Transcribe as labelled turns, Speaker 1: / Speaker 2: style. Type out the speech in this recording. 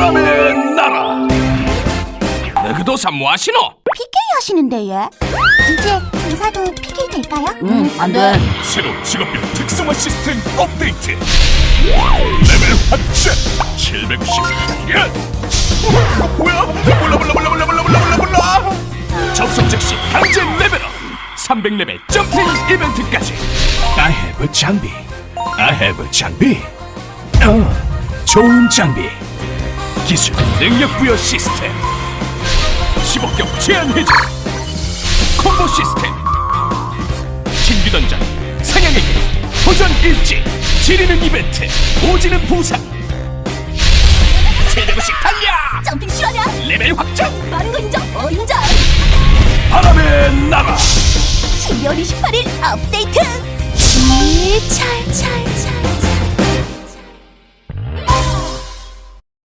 Speaker 1: 바람의 나라. 너그도사 뭐하시노?
Speaker 2: PK 하시는데 얘? 이제 의사도 PK 될까요?
Speaker 3: 안돼.
Speaker 1: 새로운 직업별 특성화 시스템 업데이트. 레벨 확장 790. 뭐야? 몰라. 접속 즉시 강제 레벨업. 300레벨 점핑 이벤트까지. I have 장비. I have 장비. 좋은 장비. 기술 능력 부여 시스템. 15경 제한 해제. 콤보 시스템. 신규 던전 사냥에게 도전 일지. 지리는 이벤트 오지는 보상. 최대구씩 달려.
Speaker 2: 점핑 실화냐?
Speaker 1: 레벨 확장.
Speaker 2: 빠른 거 인정? 인정!
Speaker 1: 바람의 나라.
Speaker 2: 12월 28일 업데이트! 찰찰찰찰